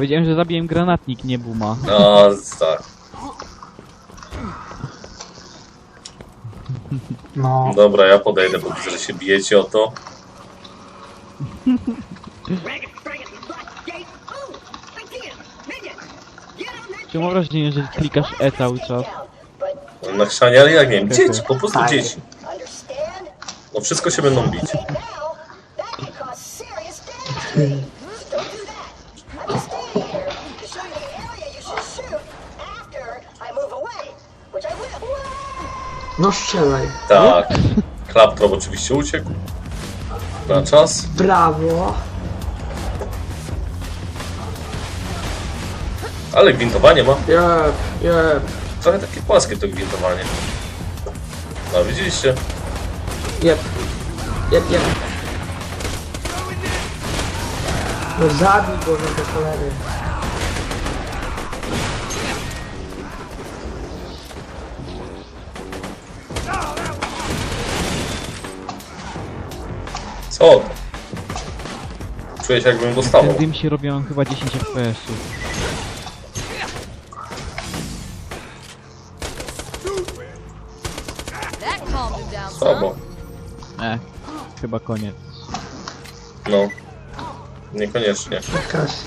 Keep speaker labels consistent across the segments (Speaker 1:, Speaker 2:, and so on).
Speaker 1: Powiedziałem, że zabiję granatnik, nie Buma.
Speaker 2: No, tak.
Speaker 3: No.
Speaker 2: Dobra, ja podejdę, bo widzę, że się bijecie o to.
Speaker 1: Czy mam wrażenie, że klikasz E cały czas?
Speaker 2: Na chrzanie, ale jak nie wiem, dzieci, po prostu
Speaker 3: Tak.
Speaker 2: dzieci. No wszystko się będą bić.
Speaker 3: No strzelaj.
Speaker 2: Tak. Klaptrop oczywiście uciekł. Na czas.
Speaker 3: Brawo.
Speaker 2: Ale gwintowanie ma.
Speaker 3: Jeb, jeb,
Speaker 2: Trochę takie płaskie to gwintowanie. No widzieliście?
Speaker 3: jeb. Jeb, jeb. No zabij go, no do cholery.
Speaker 2: Co to? Czuję się jakbym dostawał.
Speaker 1: Ten dym się robią chyba 10 FPS-ów.
Speaker 2: Słabo.
Speaker 1: Chyba koniec.
Speaker 2: No. Niekoniecznie.
Speaker 3: Kasy.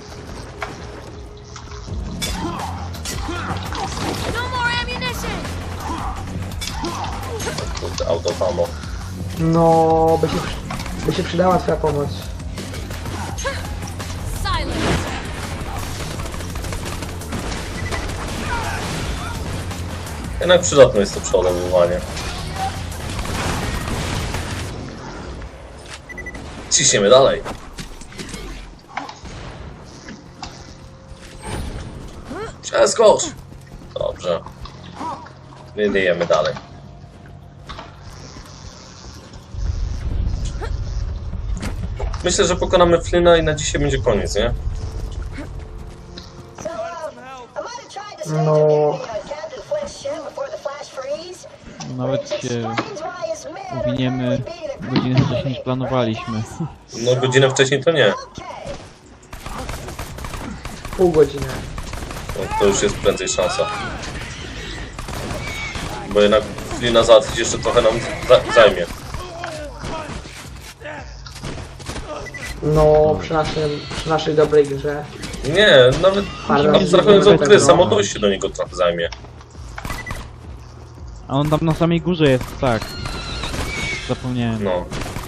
Speaker 2: Kurde, autofamo.
Speaker 3: No, by się przydała twoja pomoc.
Speaker 2: Jednak przydatne jest to przeładowywanie. Ciśniemy dalej. Przeskocz! Dobrze. Wydajemy dalej. Myślę, że pokonamy Flynna i na dzisiaj będzie koniec, nie?
Speaker 3: No.
Speaker 1: Nawet się uwiniemy godzinę wcześniej niż planowaliśmy.
Speaker 2: No godzinę wcześniej to nie.
Speaker 3: Pół godziny.
Speaker 2: No, to już jest prędzej szansa. Bo jednak Flynna załatwić jeszcze trochę nam zajmie.
Speaker 3: No, przy naszej dobrej grze.
Speaker 2: Nie, nawet abstrahując od gry, samo dojście do niego trochę zajmie.
Speaker 1: A on tam na samej górze jest, tak. Zapomniałem.
Speaker 2: No.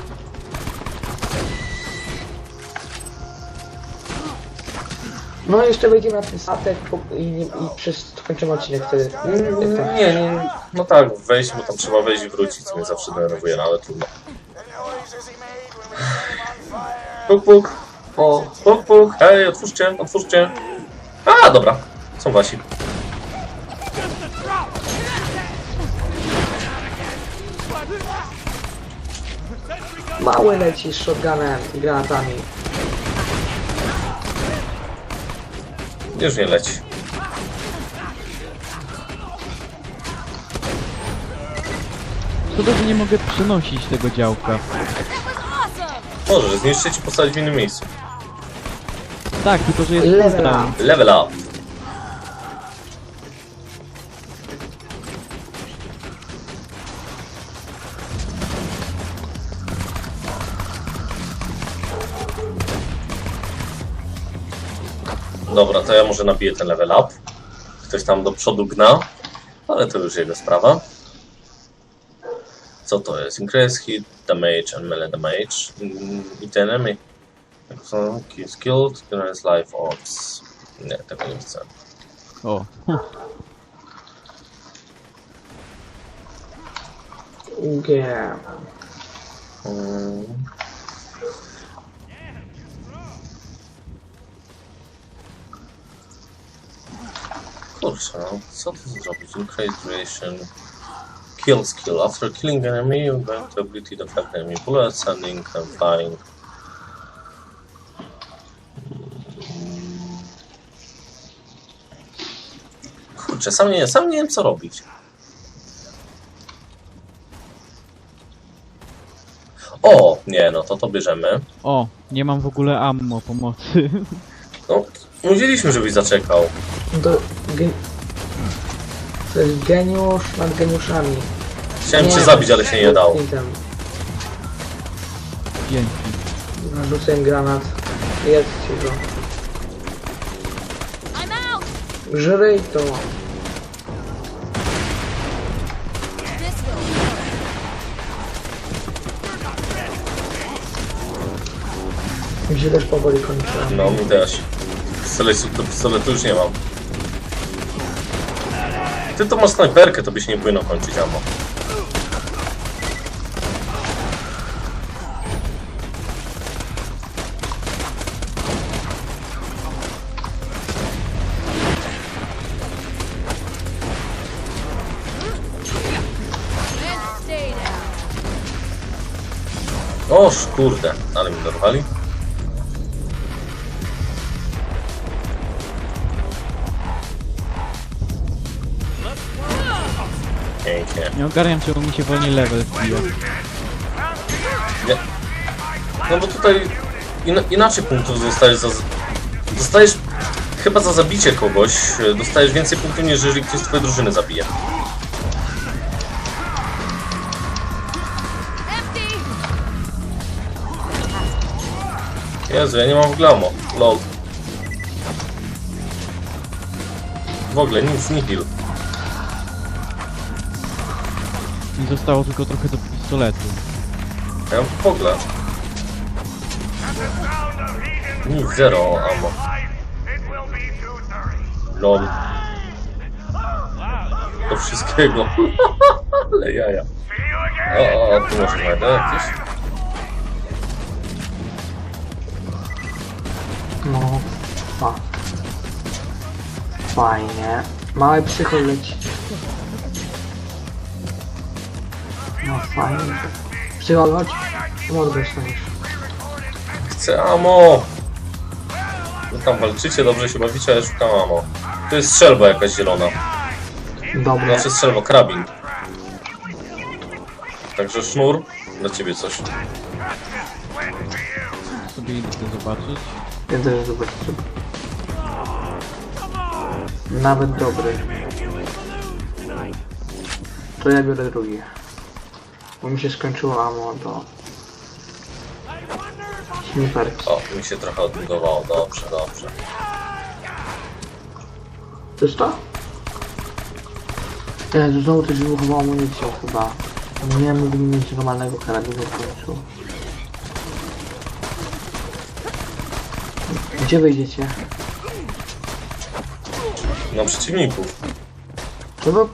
Speaker 3: No jeszcze wejdziemy na ten statek i kończymy odcinek wtedy.
Speaker 2: Nie, no tak, wejść, bo tam trzeba wejść i wrócić, co mnie zawsze denerwuje, no ale trudno. Puk, puk.
Speaker 3: O,
Speaker 2: Puk, puk. Hej, otwórzcie, otwórzcie. A, dobra, są wasi.
Speaker 3: mały leci z shotgunem i granatami.
Speaker 2: Już nie leci.
Speaker 1: Szkoda, że nie mogę przenosić tego działka.
Speaker 2: Możesz zniszczyć i postawić w innym miejscu.
Speaker 1: Tak, tylko że jest
Speaker 3: Level
Speaker 1: cooldown.
Speaker 3: up.
Speaker 2: Level up. Dobra, to ja może nabiję ten level up. Ktoś tam do przodu gna, ale to już jego sprawa. Co to jest? Increase hit damage and melee damage. Hit enemy. Skilled, generate life orbs. Nie, tego nie chcę.
Speaker 1: O.
Speaker 3: Yeah.
Speaker 2: Kurczę, no, co to zrobić? Increase duration. Kill skill. After killing enemy, you grant the ability to affect enemy bullets, sending and flying. Kurczę, sam nie wiem co robić. O, nie, no to bierzemy.
Speaker 1: O, nie mam w ogóle ammo pomocy.
Speaker 2: No, Mówiliśmy, żebyś zaczekał.
Speaker 3: To, to jest geniusz nad geniuszami.
Speaker 2: Chciałem cię zabić, ale się nie dało.
Speaker 1: Dzięki.
Speaker 3: Narzucę granat. Jest ci go.
Speaker 4: I'm out.
Speaker 3: Żryj to.
Speaker 4: This will.
Speaker 3: Mi się też powoli kończy.
Speaker 2: No, mi też. Pistoletu już nie mam. Ty to masz snajperkę, to byś nie powinno kończyć ammo.
Speaker 4: And stay down.
Speaker 2: Oż kurde, ale mi dorwali. Pięknie.
Speaker 1: Nie ogarniam, czemu mi się wolniej level wbija.
Speaker 2: Nie. No bo tutaj inaczej punktów dostajesz za... Dostajesz chyba za zabicie kogoś, dostajesz więcej punktów, niż jeżeli ktoś z twojej drużyny zabije.
Speaker 4: Empty.
Speaker 2: Jezu, ja nie mam w ogóle ammo. Lol. W ogóle nic, nie heal.
Speaker 1: Mi zostało tylko trochę do pistoletu.
Speaker 2: Ja mam w ogóle. Nic, zero ammo. Lol. Do wszystkiego. Ale jaja. O, tu może znajdę jakieś?
Speaker 3: No. O. Fajnie. Mały psychol leci. No fajnie. Psychol, chodź. Mordę staniesz.
Speaker 2: Chcę ammo! Wy tam walczycie, dobrze się bawicie, ale szukam ammo. To jest strzelba jakaś zielona.
Speaker 3: Dobre.
Speaker 2: Znaczy strzelba, karabin. Także sznur, dla ciebie coś.
Speaker 1: Sobie idę to zobaczyć.
Speaker 3: Ja też zobaczę. Nawet dobry. To ja biorę drugi. Bo mi się skończyło ammo do... Sniperki.
Speaker 2: O, mi się trochę odbudowało, dobrze, dobrze.
Speaker 3: To jest to? Jezu, znowu też wybuchowała amunicją chyba. Nie mógłbym mieć normalnego karabinu w końcu. Gdzie wyjdziecie?
Speaker 2: Na przeciwników.
Speaker 3: To do...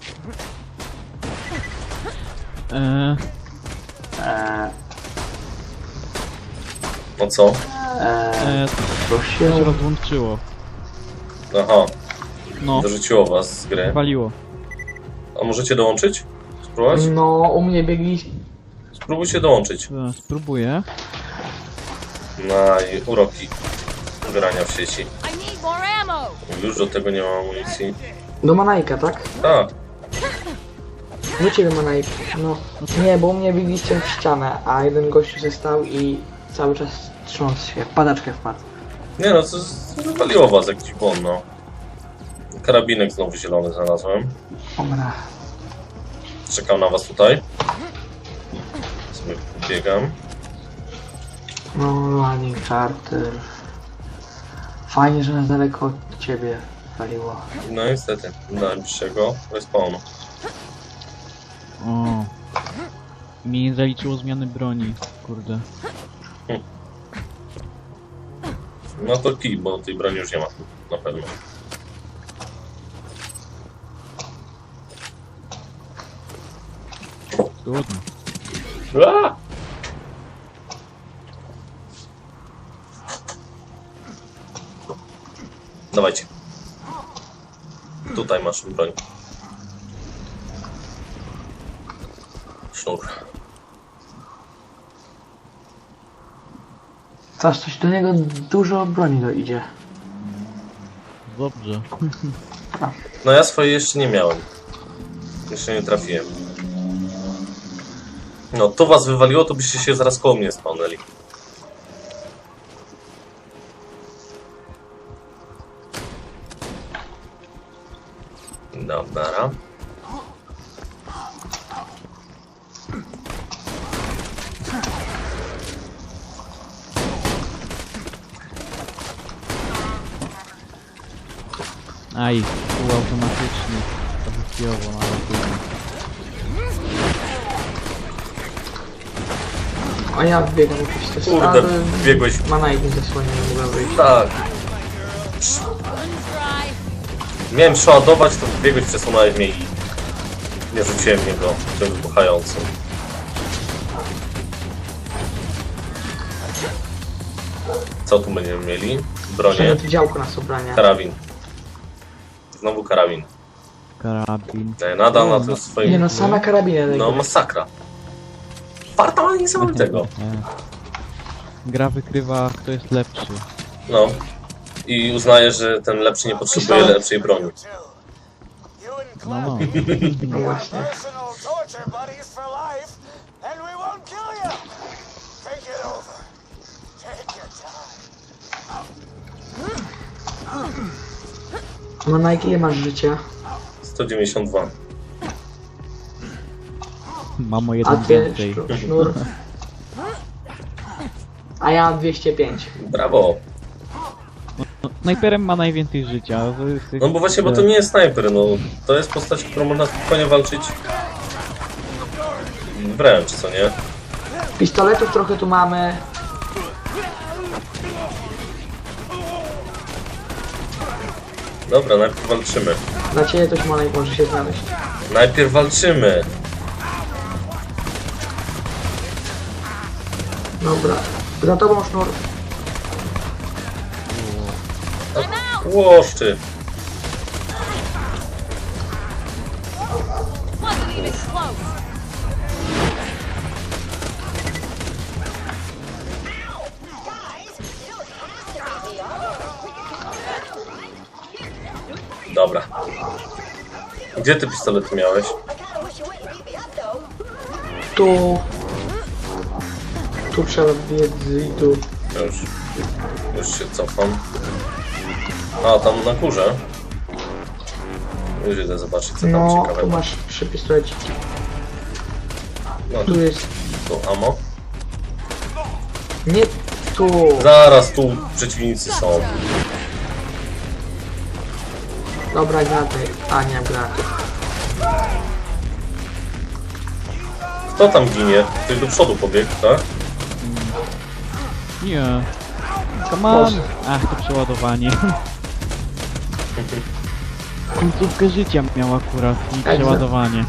Speaker 2: No co?
Speaker 3: To
Speaker 1: To się
Speaker 3: się...
Speaker 1: rozłączyło.
Speaker 2: Aha,
Speaker 1: No,
Speaker 2: dorzuciło was z gry.
Speaker 1: waliło.
Speaker 2: A możecie dołączyć? Spróbować?
Speaker 3: No, u mnie biegli...
Speaker 2: Spróbujcie dołączyć.
Speaker 1: Spróbuję.
Speaker 2: Na uroki grania w sieci.
Speaker 4: I need more ammo.
Speaker 2: Już do tego nie mam amunicji.
Speaker 3: Do Manajka, tak?
Speaker 2: Tak,
Speaker 3: Do ciebie Manajk. No. Nie, bo u mnie biegliście w ścianę, a jeden gościu się stał i cały czas trząsł się. W padaczkę wpadł.
Speaker 2: nie no, to wywaliło was jakiś błąd, no. Karabinek znowu zielony znalazłem.
Speaker 3: Dobra.
Speaker 2: Czekam na was tutaj. Sobie biegam.
Speaker 3: No, running charter. Fajnie, że na daleko od ciebie waliło.
Speaker 2: No niestety, do najbliższego respawnu.
Speaker 1: O. Mi nie zaliczyło zmiany broni. Kurde.
Speaker 2: No to kij, bo tej broni już nie ma. Na pewno.
Speaker 1: Trudno.
Speaker 2: Aaa! Dawajcie. Tutaj masz broń. Sznur.
Speaker 3: Zaś coś do niego dużo broni dojdzie.
Speaker 1: Dobrze.
Speaker 2: No ja swoje jeszcze nie miałem. Jeszcze nie trafiłem. No, to was wywaliło, to byście się zaraz koło mnie spawnęli. Dobra.
Speaker 1: Aj, półautomatyczny. To wychwijowo, ale trudno.
Speaker 3: A ja wbiegam jakieś te
Speaker 2: Kurde,
Speaker 3: stawy.
Speaker 2: biegłeś.
Speaker 3: Mana ich nie zasłania, nie mogłem wyjść.
Speaker 2: Tak.
Speaker 4: Guns dry.
Speaker 2: Miałem przeładować, to biegłeś, przesunąłeś mnie i nie rzuciłem w niego tym wybuchającym. Co tu będziemy mieli? Bronię.
Speaker 3: Przynajmniej działko na sobrania.
Speaker 2: Karabin. Znowu karabin.
Speaker 1: Karabin.
Speaker 2: Nadal na tym swoim...
Speaker 3: Nie no, same karabiny.
Speaker 2: No masakra. Farta ma niesamowitego.
Speaker 1: Gra wykrywa, kto jest lepszy.
Speaker 2: No. I uznaje, że ten lepszy nie potrzebuje lepszej broni.
Speaker 1: No, no.
Speaker 3: No właśnie.
Speaker 5: Personal torture buddies for life, and we won't kill you. Take it over. Take your time.
Speaker 3: No na jakie masz życia?
Speaker 2: 192.
Speaker 1: Mam o
Speaker 3: A
Speaker 1: jeden
Speaker 3: ty,
Speaker 1: więcej.
Speaker 3: sznur? A ja mam 205.
Speaker 2: Brawo.
Speaker 1: No, snajperem ma najwięcej życia.
Speaker 2: No bo właśnie, bo to nie jest snajper, no. To jest postać, którą można spokojnie walczyć wręcz, co nie?
Speaker 3: Pistoletów trochę tu mamy.
Speaker 2: Dobra, najpierw walczymy.
Speaker 3: Dla ciebie coś może się znaleźć.
Speaker 2: Najpierw walczymy.
Speaker 3: Dobra. Za tobą sznur.
Speaker 2: Łoszczy.
Speaker 4: Wasn't even close.
Speaker 2: Dobra. Gdzie ty pistolety miałeś?
Speaker 3: Tu. Tu trzeba biec i tu.
Speaker 2: Już się cofam. A, tam na górze. Już idę zobaczyć, co tam
Speaker 3: No, tu
Speaker 2: ciekawego.
Speaker 3: masz 3 pistoleciki.
Speaker 2: No,
Speaker 3: Tu jest.
Speaker 2: tu ammo.
Speaker 3: Nie tu.
Speaker 2: Zaraz tu przeciwnicy są.
Speaker 3: Dobra, granaty. A, nie mam granatów.
Speaker 2: Kto tam ginie? Ktoś do przodu pobiegł, tak?
Speaker 1: Nie. Come on!
Speaker 3: Boże.
Speaker 1: Ach, to przeładowanie. Końcówkę życia miał akurat i
Speaker 3: Także.
Speaker 1: przeładowanie.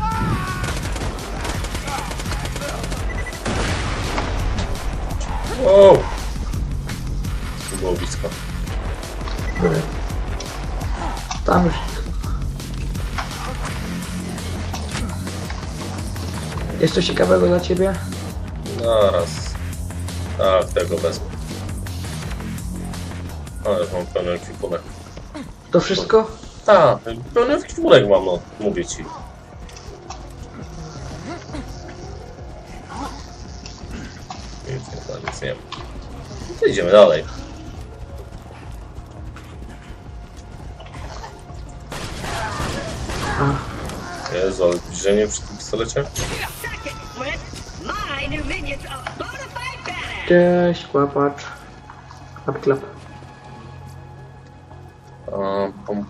Speaker 2: Wow! To było blisko.
Speaker 3: Tam już. Jest coś ciekawego dla ciebie?
Speaker 2: Zaraz. Tak, tego wezmę. Ale już mam pełny ekwipunek.
Speaker 3: To wszystko?
Speaker 2: Tak, pełny ekwipunek mam, no, mówię ci. Nic nie ma. No to idziemy dalej. Jezu, ale zbliżenie przy tym pistolecie?
Speaker 3: Cześć, kłapacz. Klap, klap.
Speaker 2: Pum.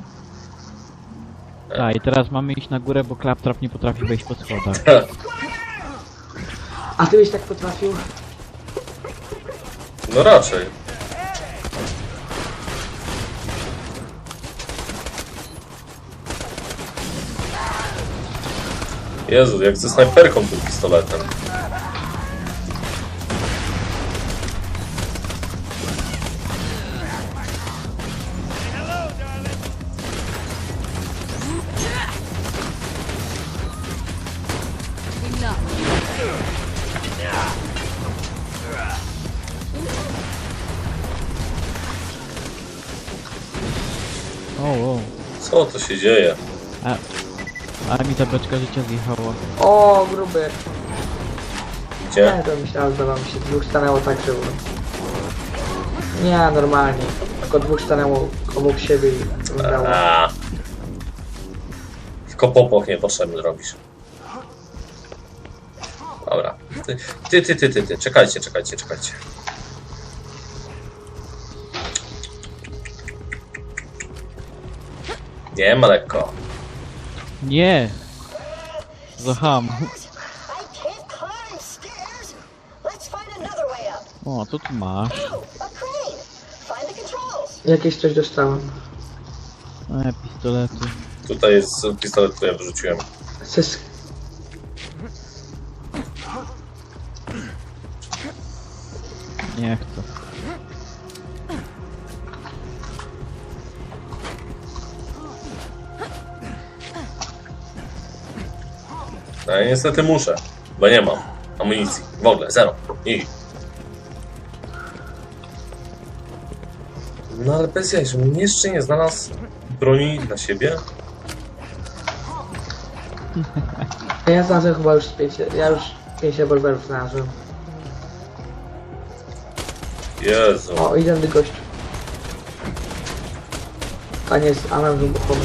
Speaker 1: Tak, i teraz mamy iść na górę, bo Claptrap nie potrafi wejść po schodach.
Speaker 3: A ty byś tak potrafił?
Speaker 2: No raczej. Jezu, jak ze snajperką tym pistoletem.
Speaker 1: O.
Speaker 2: Co to się dzieje?
Speaker 1: Ale mi ta beczka życia zjechała.
Speaker 3: O, gruby.
Speaker 2: Gdzie?
Speaker 3: Nie, to myślałem, zdawało mi się. Dwóch stanęło tak, że... Nie, normalnie. Tylko dwóch stanęło obok siebie i wyglądało.
Speaker 2: A, Tylko popłoch niepotrzebny robisz. Dobra. Ty. Czekajcie. Nie ma lekko.
Speaker 1: Nie! Zaham.
Speaker 6: I can't climb stairs. Let's find another way up.
Speaker 1: O, co tu masz?
Speaker 6: Oh, a crane. Find the controls.
Speaker 3: Jakieś coś dostałem.
Speaker 1: Pistolety.
Speaker 2: Tutaj jest pistolet, który ja wyrzuciłem.
Speaker 3: Sys...
Speaker 1: Nie chcę.
Speaker 2: No ja niestety muszę, bo nie mam amunicji. W ogóle, zero. I... No ale bez jaj, żebym jeszcze nie znalazł broni dla siebie.
Speaker 3: Ja znalazłem chyba już 5... Ja już 5 rewolwerów znalazłem.
Speaker 2: Jezu.
Speaker 3: O, idę do gościu. A nie, jest alarm wybuchowy.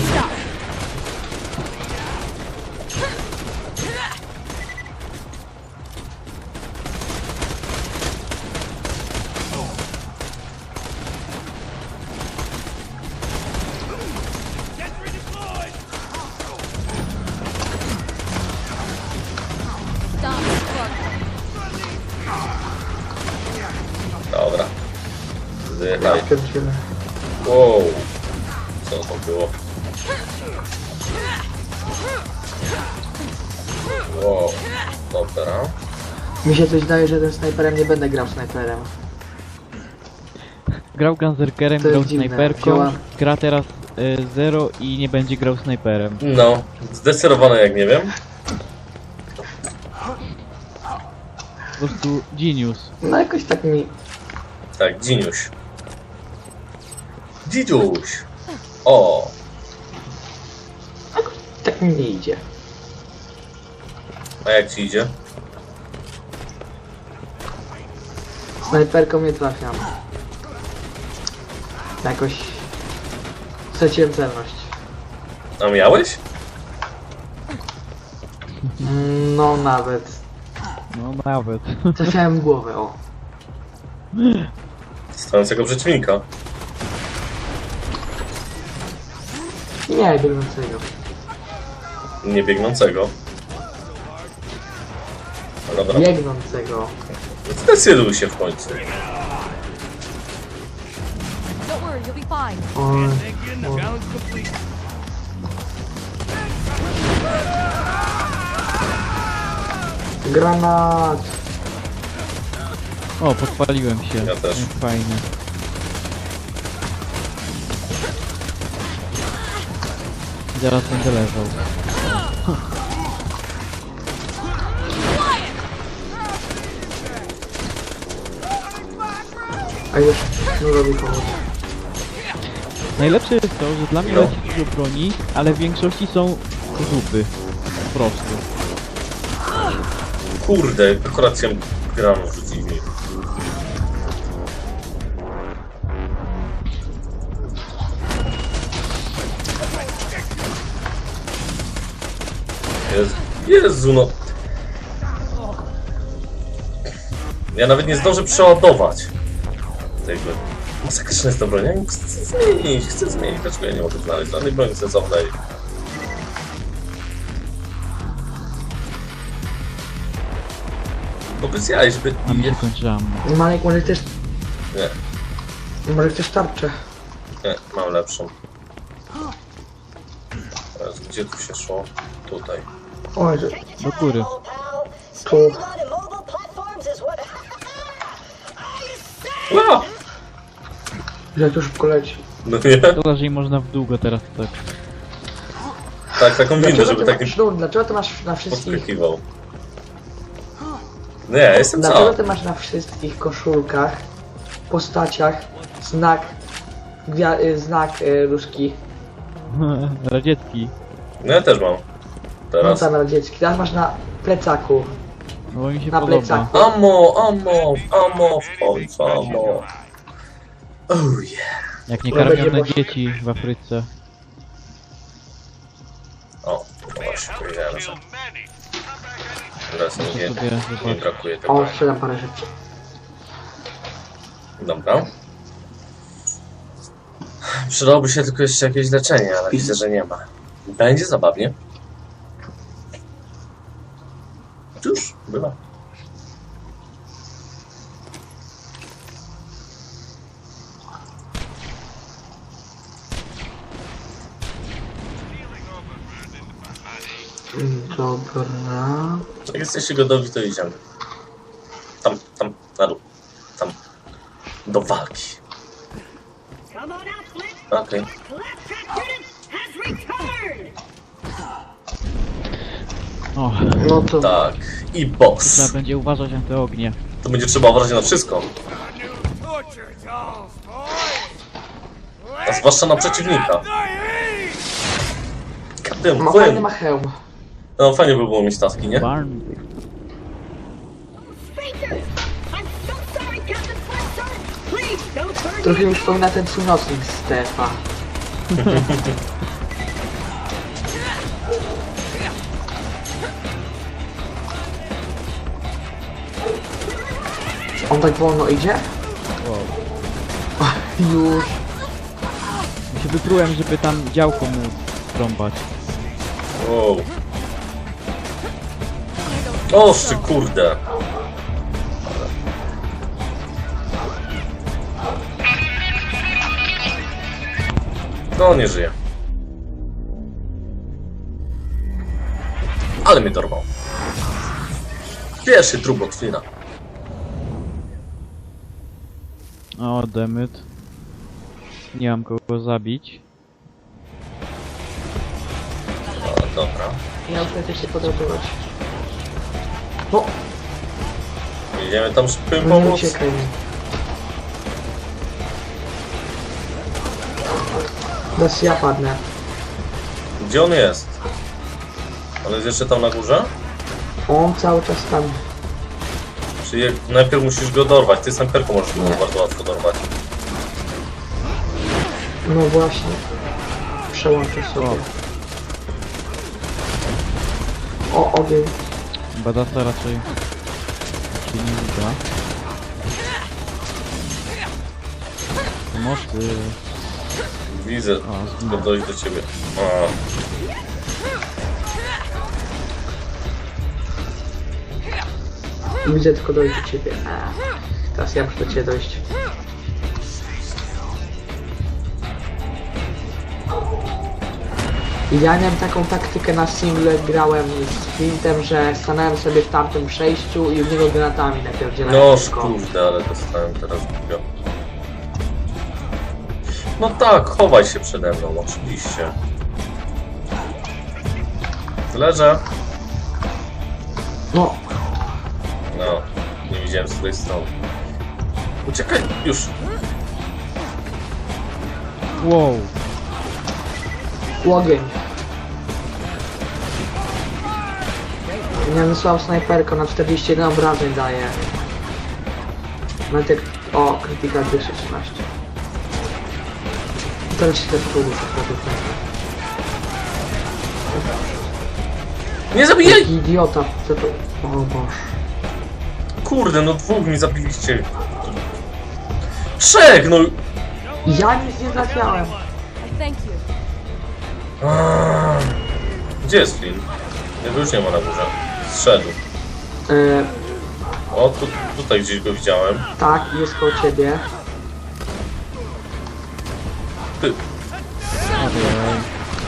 Speaker 4: Stop struggling.
Speaker 2: Dobra. Zdychaj.
Speaker 3: Pierdziele.
Speaker 2: Wow. Co to było? Wow. Dobra.
Speaker 3: Mi się coś daje, że tym snajperem nie będę grał snajperem.
Speaker 1: Grał Gunzerkerem,
Speaker 3: To jest
Speaker 1: grał
Speaker 3: dziwne.
Speaker 1: snajperką,
Speaker 3: Wziąłem-
Speaker 1: gra teraz Zero i nie będzie grał snajperem.
Speaker 2: No. Zdecydowane jak nie wiem.
Speaker 1: Po prostu genius.
Speaker 3: No jakoś tak mi...
Speaker 2: Tak, Dziniuś. Dzidziuś. O.
Speaker 3: tak mi nie idzie.
Speaker 2: A jak ci idzie?
Speaker 3: Snajperką nie trafiam. Jakoś... Straciłem celność.
Speaker 2: A miałeś?
Speaker 3: No nawet.
Speaker 1: No nawet.
Speaker 3: Trafiałem w głowę, o.
Speaker 2: Stojącego przeciwnika.
Speaker 3: Nie, biegnącego.
Speaker 2: Nie biegnącego. No dobra.
Speaker 3: Biegnącego.
Speaker 2: Zdecyduj się w końcu.
Speaker 4: Don't worry, you'll be fine.
Speaker 3: O, Granat!
Speaker 1: O, podpaliłem się.
Speaker 2: Ja też.
Speaker 1: Jak fajnie. Zaraz będę leżał.
Speaker 3: A już sznurowi pomóc.
Speaker 1: Najlepsze jest to, że dla mnie
Speaker 2: No.
Speaker 1: leci dużo broni, ale w większości są zupy. Po prostu.
Speaker 2: Kurde, akurat się grano rzucili mi. Jezu, no. Ja nawet nie zdążę przeładować tego. Masakryczne jest to broń. Ja chcę zmienić. Dlaczego ja nie mogę znaleźć żadnej broni sensownej? Bo bez jaj, żeby...
Speaker 1: A mi się kończy ammo.
Speaker 3: Malek, może też...
Speaker 2: Nie,
Speaker 3: Może chcesz tarczę?
Speaker 2: nie, mam lepszą. Teraz gdzie tu się szło? Tutaj.
Speaker 3: Oj, że...
Speaker 6: Take your
Speaker 1: Do
Speaker 6: time,
Speaker 1: góry.
Speaker 6: old pal.
Speaker 3: Tu.
Speaker 6: Staying on immobile platforms is what I say.
Speaker 2: A!
Speaker 3: Że tu szybko leci.
Speaker 2: No nie?
Speaker 1: Szkoda, że nie można w długo teraz tak.
Speaker 2: Tak, taką windę, żeby tak nie
Speaker 3: Dlaczego ty masz na wszystkich...
Speaker 2: podskakiwał. Nie, ja jestem
Speaker 3: Dlaczego
Speaker 2: sam.
Speaker 3: ty masz na wszystkich koszulkach, postaciach, znak... znak różki.
Speaker 1: Radziecki.
Speaker 2: No ja też mam.
Speaker 3: No
Speaker 2: Teraz.
Speaker 3: tam radziecki. Teraz masz na plecaku.
Speaker 1: No bo mi się
Speaker 3: Na
Speaker 1: podoba.
Speaker 3: plecaku.
Speaker 2: Ammo, w końcu, ammo. Oh yeah.
Speaker 1: Jak nie
Speaker 3: To będzie
Speaker 1: karmione
Speaker 3: posz-
Speaker 1: dzieci w Afryce.
Speaker 2: O, Właśnie, powiedziałem, że teraz
Speaker 1: Muszę
Speaker 2: nie
Speaker 1: sobie zobaczyć.
Speaker 2: brakuje tego.
Speaker 3: O, sprzedam parę rzeczy.
Speaker 2: Dobra. Przydałoby się tylko jeszcze jakieś leczenie, ale widzę, że nie ma. Będzie zabawnie. Cóż, bywa.
Speaker 3: Dobra.
Speaker 2: Jak jesteście gotowi, to idziemy. Tam, na dół. Tam. Do walki.
Speaker 6: Come on out, Flint.
Speaker 2: Okej.
Speaker 6: Claptrap unit has returned.
Speaker 1: O,
Speaker 3: No to
Speaker 2: Tak. I
Speaker 1: trzeba
Speaker 2: boss.
Speaker 1: będzie uważać na te ognie.
Speaker 2: To będzie trzeba uważać na wszystko.
Speaker 5: Torture dolls, boys.
Speaker 2: A zwłaszcza na przeciwnika. Kaptem,
Speaker 3: ma fajny ma hełm.
Speaker 2: No fajnie by było mieć taski, nie?
Speaker 1: Barn.
Speaker 6: Speakers! I'm so sorry, Captain Flint, sir. Please don't burn
Speaker 3: Trochę
Speaker 6: me
Speaker 3: mi
Speaker 6: again.
Speaker 3: przypomina ten północnik Stefa. On tak wolno idzie?
Speaker 1: Wow.
Speaker 3: Już.
Speaker 1: Ja się wyprułem, żeby tam działko mu trąbać.
Speaker 2: Wow. O, ty kurde. No, nie żyje. Ale mnie dorwał. Pierwszy trup od Flina.
Speaker 1: O, demyt. Nie mam kogo zabić.
Speaker 2: No, dobra.
Speaker 3: Ja już chcę się podobać. No,
Speaker 2: Jedziemy tam szybko
Speaker 3: no nie
Speaker 2: pomóc.
Speaker 3: uciekaj mi. Teraz ja padnę.
Speaker 2: Gdzie on jest? On jest jeszcze tam na górze?
Speaker 3: On cały czas tam.
Speaker 2: Czyli najpierw musisz go dorwać. Ty snajperką możesz go bardzo łatwo dorwać.
Speaker 3: No właśnie. Przełączę sobie. O, ogień.
Speaker 1: Badasa raczej się nie uda. Pomocy.
Speaker 2: Widzę.
Speaker 1: O,
Speaker 2: Tylko dojść do ciebie. A.
Speaker 3: Widzę tylko dojść do ciebie. Teraz ja muszę do ciebie dojść. Ja miałem taką taktykę na single, grałem z Flintem, że stanąłem sobie w tamtym przejściu i w niego granatami napierdzielałem.
Speaker 2: No
Speaker 3: tylko.
Speaker 2: kurde, ale dostałem teraz głupio. No tak, chowaj się przede mną, oczywiście. Leżę.
Speaker 3: No,
Speaker 2: No, nie widziałem z której strony. Uciekaj, już.
Speaker 1: wow.
Speaker 3: ogień. Ja wysłałem snajperkę na 41 obrażeń daje. Metek... O, krytyka 213. Teraz się też poruszę.
Speaker 2: Nie zabijaj!
Speaker 3: Jaki idiota, co to... O Boże.
Speaker 2: Kurde, no dwóch mi zabiliście. Trzech, no.
Speaker 3: Ja nic nie trafiałem.
Speaker 4: I thank you.
Speaker 2: Gdzie jest Flynn? Jego już nie ma na górze. Zszedł. O, tutaj gdzieś go widziałem.
Speaker 3: Tak, jest koło ciebie.
Speaker 2: Ty.
Speaker 1: Ojej.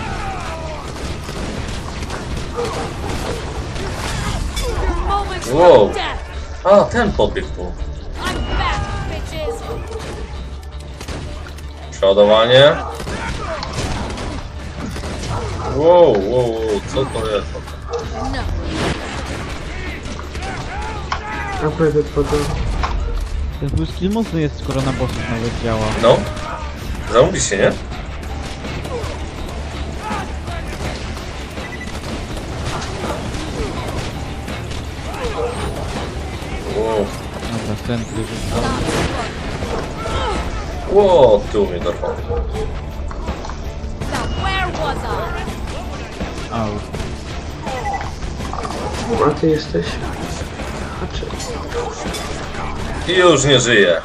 Speaker 4: Moments
Speaker 2: Wow.
Speaker 4: of death.
Speaker 2: A, ten podbiegł tu.
Speaker 4: I'm back, bitches.
Speaker 2: Przeładowanie. Wow, co to jest?
Speaker 4: No.
Speaker 3: Naprawdę wchodzę.
Speaker 1: Ten full skill mocny jest, skoro na bossów nawet działa.
Speaker 2: No. Zamówi się, nie? Wow.
Speaker 1: Dobra, centry rzucam.
Speaker 2: Wow, ty mnie dorwał.
Speaker 4: Now where was I?
Speaker 1: Au.
Speaker 3: A ty jesteś? A czy...
Speaker 2: I już nie żyje.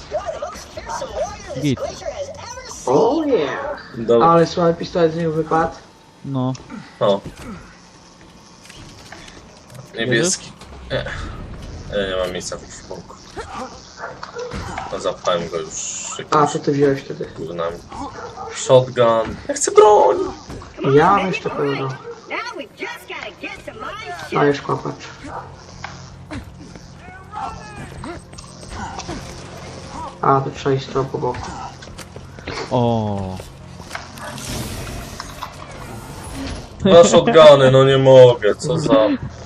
Speaker 1: Git.
Speaker 3: O nie!
Speaker 2: Dobra.
Speaker 3: Ale słuchaj, pistolet z niego wypadł.
Speaker 1: No.
Speaker 2: O. Niebieski. Nie. Nie mam miejsca w ekwipunku. No, zapchałem go już
Speaker 3: A,
Speaker 2: jakimiś
Speaker 3: to ty wziąłeś wtedy.
Speaker 2: gównami. Shotgun. Ja chcę broń!
Speaker 3: Ja mam jeszcze pełno.
Speaker 6: Now we've just gotta get to my ship.
Speaker 3: Dajesz kłapacz. A, to trzeba iść trochę po boku.
Speaker 1: O.
Speaker 2: Dwa shotguny, no nie mogę, co za...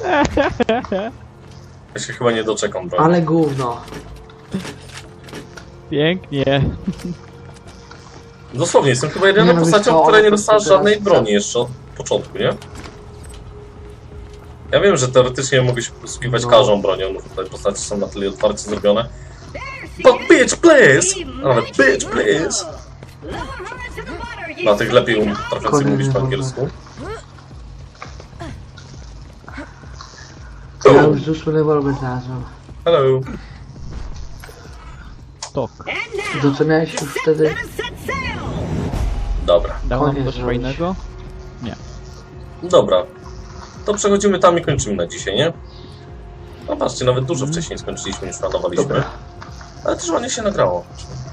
Speaker 2: Ja się chyba nie doczekam broni.
Speaker 3: Ale gówno.
Speaker 1: Pięknie.
Speaker 2: Dosłownie, jestem chyba jedyną
Speaker 3: Nie, no wiesz
Speaker 2: postacią,
Speaker 3: co,
Speaker 2: która nie
Speaker 3: on
Speaker 2: dostała
Speaker 3: teraz
Speaker 2: żadnej
Speaker 3: chce.
Speaker 2: broni jeszcze od początku, nie? Ja wiem, że teoretycznie mogę się posługiwać
Speaker 3: No.
Speaker 2: każdą bronią, no tutaj postacie są na tyle otwarcie zrobione. But bitch please! A nawet bitch please! Dla tych lepiej potrafiących
Speaker 3: Kolejny
Speaker 2: mówić po
Speaker 3: wątek.
Speaker 2: angielsku.
Speaker 3: Ja
Speaker 2: Boom.
Speaker 3: już z 8 rewolwer znalazłem.
Speaker 2: Hello.
Speaker 1: Tok.
Speaker 3: To co miałeś już wtedy?
Speaker 2: Dobra,
Speaker 1: Dał nam
Speaker 3: Koniec
Speaker 1: coś
Speaker 3: zrobić.
Speaker 1: fajnego?
Speaker 2: dobra. To przechodzimy tam i kończymy na dzisiaj, nie? No patrzcie, nawet dużo wcześniej skończyliśmy niż planowaliśmy.
Speaker 3: Dobra.
Speaker 2: Ale też ładnie się nagrało.